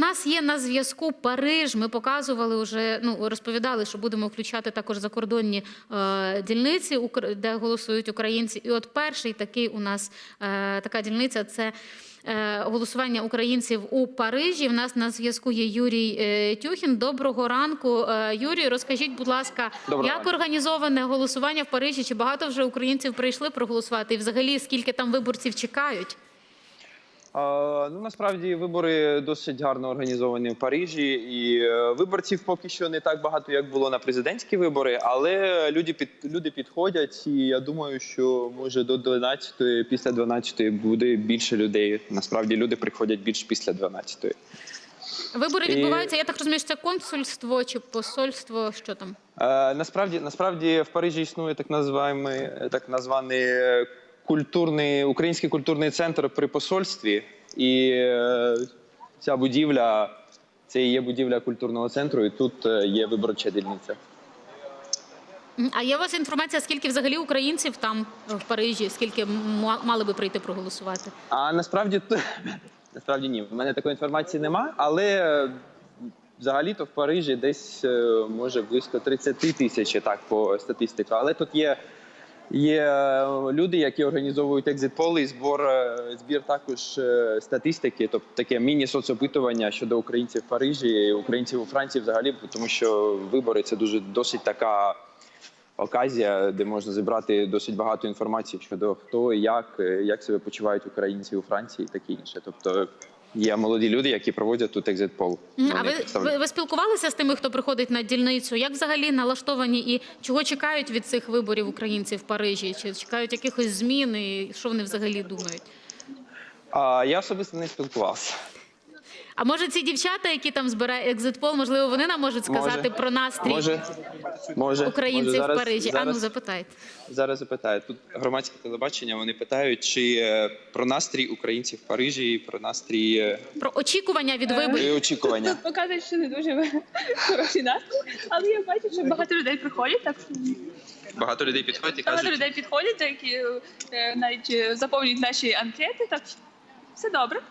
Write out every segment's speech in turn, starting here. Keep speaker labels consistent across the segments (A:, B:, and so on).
A: нас є на зв'язку Париж. Ми показували вже, розповідали, що будемо включати також закордонні дільниці, де голосують українці. І от перший такий у нас така дільниця – це голосування українців у Парижі. В нас на зв'язку є Юрій Тюхін. Доброго ранку. Юрій, розкажіть, будь ласка, як організоване голосування в Парижі? Чи багато вже українців прийшли проголосувати? І взагалі, скільки там виборців чекають?
B: Насправді вибори досить гарно організовані в Парижі, і виборців поки що не так багато, як було на президентські вибори, але люди підходять, і я думаю, що може до 12-ї, після 12-ї буде більше людей. Насправді люди приходять більше після 12-ї.
A: Вибори відбуваються, я так розумію, що це консульство чи посольство, що там?
B: Насправді в Парижі існує так званий Український культурний центр при посольстві, і ця будівля, це і є будівля культурного центру, і тут є виборча дільниця.
A: А є у вас інформація, скільки взагалі українців там в Парижі, скільки мали би прийти проголосувати?
B: Насправді ні, в мене такої інформації нема, але взагалі-то в Парижі десь може близько 30 тисяч, так, по статистиці, але тут є люди, які організовують екзит-поли і збір також статистики, тобто таке міні-соцопитування щодо українців в Парижі і українців у Франції взагалі, тому що вибори – це досить така оказія, де можна зібрати досить багато інформації щодо хто і як себе почувають українці у Франції і таке інше. Тобто є молоді люди, які проводять тут екзит-пол.
A: А ви спілкувалися з тими, хто приходить на дільницю? Як взагалі налаштовані і чого чекають від цих виборів українці в Парижі? Чи чекають якихось змін і що вони взагалі думають?
B: Я особисто не спілкувався.
A: А може ці дівчата, які там збирають екзит-пол, можливо, вони нам можуть сказати про настрій українців в Парижі? Запитайте.
B: Зараз запитаю. Тут громадське телебачення, вони питають, чи про настрій українців в Парижі, про настрій...
A: Про очікування від виборів.
B: Очікування.
C: Тут показують, що не дуже хороший настрій, але я бачу, що багато людей приходять. Так.
B: Багато людей підходять і кажуть...
C: Багато людей підходять, які навіть заповнюють наші анкети, так все добре.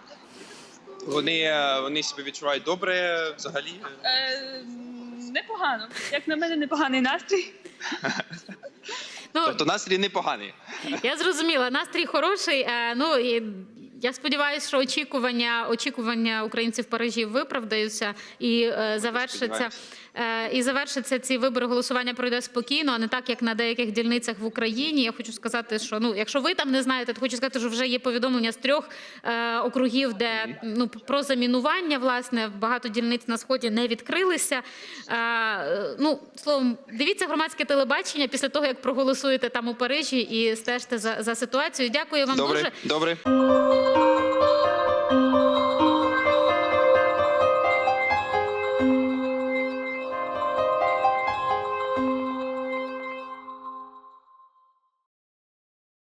B: Вони себе відчувають добре взагалі?
C: Непогано. Як на мене, непоганий настрій.
B: Тобто настрій непоганий?
A: Я зрозуміла, настрій хороший. Я сподіваюся, що очікування українців в Парижі виправдаються і завершаться ці вибори, голосування пройде спокійно, а не так, як на деяких дільницях в Україні. Я хочу сказати, що якщо ви там не знаєте, то хочу сказати, що вже є повідомлення з 3 округів, де про замінування, власне, багато дільниць на Сході не відкрилися. Словом, дивіться громадське телебачення після того, як проголосуєте там у Парижі і стежте за ситуацією. Дякую вам дуже.
B: Добре.